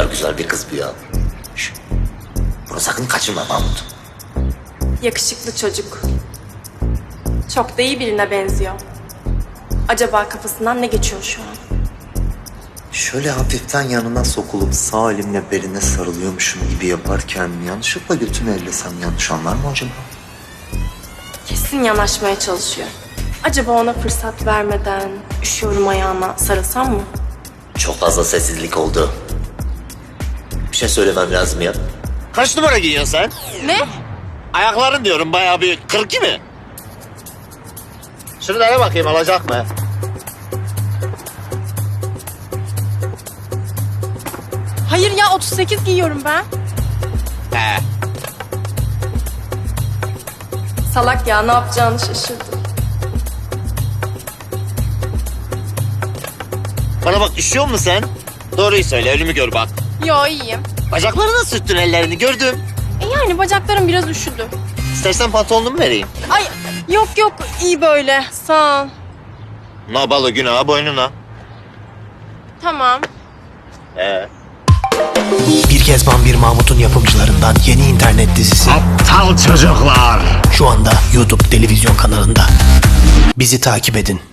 güzel bir kız bu ya. Şş, bunu sakın kaçırma Mahmut. Yakışıklı çocuk. Çok da iyi birine benziyor. Acaba kafasından ne geçiyor şu an? Şöyle hafiften yanına sokulup sağ elimle beline sarılıyormuşum gibi yaparken yanlışlıkla götünü ellesem yanlış anlar mı acaba? Kesin yanaşmaya çalışıyor. Acaba ona fırsat vermeden üşüyorum ayağına sarılsam mı? Çok fazla sessizlik oldu. Bir şey söylemem lazım ya. Kaç numara giyiyorsun sen? Ne? Ayakların diyorum bayağı bir 42 mi? Şuralara bakayım alacak mı? Hayır ya 38 giyiyorum ben. He. Salak ya ne yapacağını şaşırdı. Bana bak üşüyor musun sen? Doğruyu söyle ölümü gör bak. Yo iyiyim. Bacaklarına sürttün ellerini gördüm. Yani bacaklarım biraz üşüdü. İstersen pantolonumu vereyim. Ay yok iyi böyle sağ ol. Nabalı günah boynuna. Tamam. Bir Kezban Bir Mahmut'un yapımcılarından yeni internet dizisi Aptal çocuklar. şu anda YouTube televizyon kanalında. Bizi takip edin.